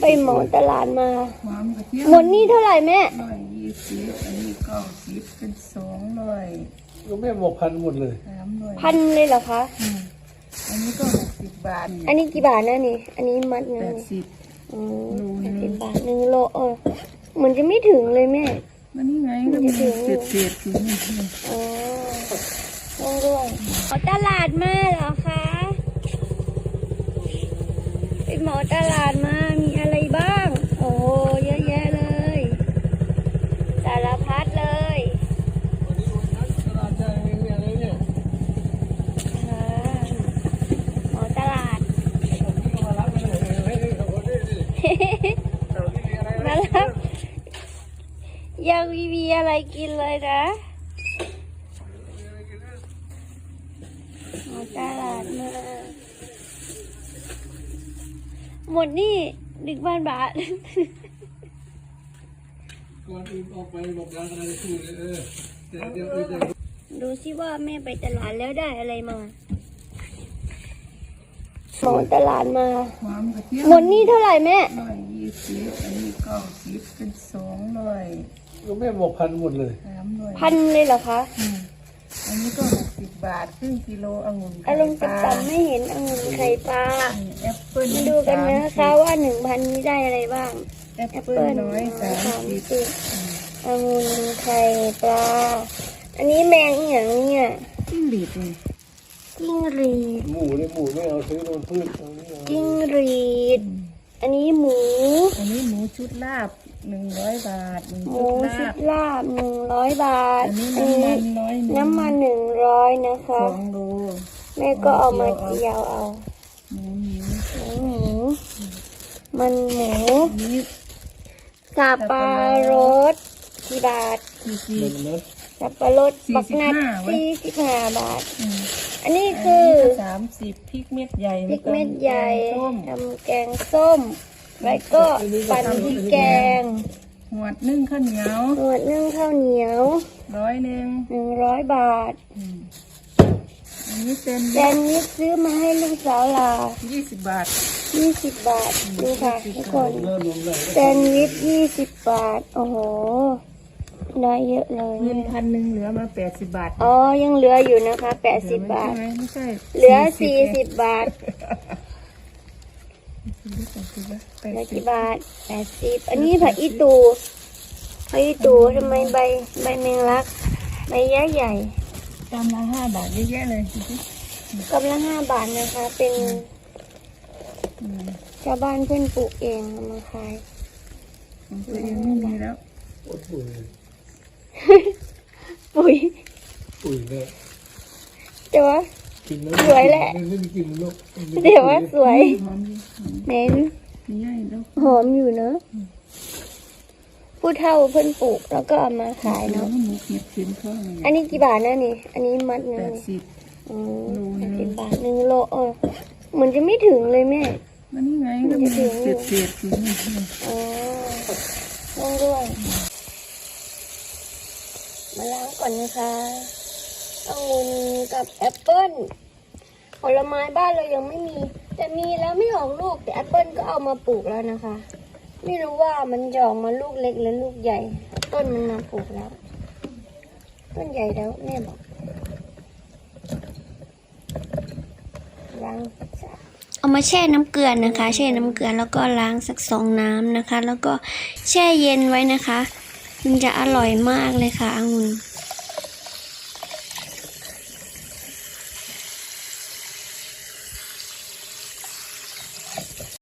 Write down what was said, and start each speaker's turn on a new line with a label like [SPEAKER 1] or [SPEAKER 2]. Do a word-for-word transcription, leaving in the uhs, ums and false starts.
[SPEAKER 1] ไปเหมาตลาดมาหมดนี่เท่าไหร่แม่
[SPEAKER 2] ร้อยยี่สิบอันนี้เก้าสิบเป็นสองร้อย
[SPEAKER 3] ก็แม่บอกพันหมดเลย
[SPEAKER 2] สามร้อย
[SPEAKER 1] พันเลยเหรอคะ
[SPEAKER 2] อันนี้ก็หกสิบบาท
[SPEAKER 1] อันนี้กี่บาทนะนี่อันนี้มัดนึง
[SPEAKER 2] แปดสิบ
[SPEAKER 1] อ๋อแปดสิบบาทหนึ่งโลเออเหมือนจะไม่ถึงเลยแม่
[SPEAKER 2] มันนี่ไงก็มีเศษเศษอยู่นี่
[SPEAKER 1] อ๋อต้องด้วยเอาตลาดมาเหรอคะไปเหมาตลาดมามีอะไรบ้างโอ้เยอะแยะเลยสารพัดเลยเหมาตลาดมาแล้วยังมีมีอะไรกินเลยนะเหมาตลาดมาหมดนี่หนึ่งพันบาท
[SPEAKER 3] ก่อนอื่นออกไปบอกร้านอะไรสู้เลยเออแต่เดี๋ยวเดี๋ยว
[SPEAKER 1] ดูสิว่าแม่ไปตลาดแล้วได้อะไรมาหมอตลาดมาหมดนี่เท่าไหร่แม่
[SPEAKER 2] ร้อยยี่สิบอันนี้เก้าสิบเป็นสองร้อย
[SPEAKER 3] ก็แม่บอกพันหมดเลย
[SPEAKER 2] สามร้อย
[SPEAKER 1] พันเลยเหรอคะ
[SPEAKER 2] อันนี้ก็หกสิบบาทครึ่งกิโลองุ่น
[SPEAKER 1] อารมณ์ต่ำๆไม่เห็นองุ่นไข่ปลา
[SPEAKER 2] แอปเปิ้ล
[SPEAKER 1] มาดูกันนะคะว่าหนึ่งพันนี้ได้อะไรบ้าง
[SPEAKER 2] แอปเปิ้ลน้อยสามสิบ
[SPEAKER 1] องุ่นไข่ปลาอันนี้แมงอีกอย่างเนี่ย
[SPEAKER 2] จิ้งหรีดเลย
[SPEAKER 1] จิ้งหรีด
[SPEAKER 3] หมูเลยหมูไม่เอาซื้อโดนพืช
[SPEAKER 1] จิ้งหรีดอันนี้หมู
[SPEAKER 2] อันนี้หมูชุดลาบหนึ่งร้อยบาท
[SPEAKER 1] หมูชุดลาบหนึ่งร้อยบาท
[SPEAKER 2] อันนี้น้ำมันน้อย
[SPEAKER 1] น้ำมันหนึ่งร้อยนะคะ
[SPEAKER 2] สองโล
[SPEAKER 1] แม่ก็เอามาเจียวเอา
[SPEAKER 2] หมูหมู
[SPEAKER 1] หมูมันหมูสับปะรดกี่บาทสับปะรดบักนัดสี่สิบห้าบาทอันนี้คือ
[SPEAKER 2] สามสิบพริกเม็ดใหญ่
[SPEAKER 1] พริกเม็ดใหญ่ทำแกงส้มแล้วก็ปั่นพริกแกง
[SPEAKER 2] หวดนึ่งข้าวเหนียว
[SPEAKER 1] หวดนึ่งข้าวเหนียว
[SPEAKER 2] ร้อยหนึ่ง
[SPEAKER 1] หนึ่งร้อยบาท
[SPEAKER 2] อันนี้เป็น
[SPEAKER 1] แซนด์วิชซื้อมาให้ลูกสาวลา
[SPEAKER 2] ยี่สิบบาท
[SPEAKER 1] ยี่สิบบาทดูค่ะทุกคนแซนด์วิชยี่สิบบาทโอ้โหได้เยอะเลย
[SPEAKER 2] เงินพันหนึ่งเหลือมาแปดสิบบาท
[SPEAKER 1] อ๋อยังเหลืออยู่นะคะแปดสิบบาท
[SPEAKER 2] ไม่ใช่
[SPEAKER 1] เหลือสี่สิบบาทเหลือกี่บาทแปดสิบอันนี้ผักอีตูผักอีตูทำไมใบใบแมงลักใบใหญ่ใหญ่
[SPEAKER 2] กำละห้าบาทเยอะแยะเลย
[SPEAKER 1] กำละห้าบาทนะคะเป็นชาวบ้านเพื่อนปลูกเองมาขาย
[SPEAKER 2] ตัวเองไม่มีแล้ว
[SPEAKER 1] ปุ๋ย
[SPEAKER 3] ปุ๋ยเนี่ย
[SPEAKER 1] แต่ว่าสวยแหละเดี๋ยวว่าสวยเน้นหอมอยู่เนอะผู้เฒ่าเพิ่นปลูกแล้วก็เอามาขายเนาะอันนี้กี่บาทนะนี่อันนี้มัดนึง
[SPEAKER 2] แปดสิบ
[SPEAKER 1] อ๋อแปดสิบบาทหนึ่งโลเออเหมือนจะไม่ถึงเลยแม่
[SPEAKER 2] มันนี่ไงก็มีเศษเศษอยู่นี่
[SPEAKER 1] อ๋อต้องด้วยมาล้างก่อนนะคะองุ่นกับแอปเปิ้ลผลไม้บ้านเรายังไม่มีแต่มีแล้วไม่ออกลูกแต่แอปเปิ้ลก็เอามาปลูกแล้วนะคะไม่รู้ว่ามันจะออกมาลูกเล็กหรือลูกใหญ่ต้นมันมาปลูกแล้วต้นใหญ่แล้วแม่บอกล้างเอามาแช่น้ำเกลือนะคะแช่น้ำเกลือแล้วก็ล้างสักสองน้ำนะคะแล้วก็แช่เย็นไว้นะคะมันจะอร่อยมากเลยค่ะองุ่น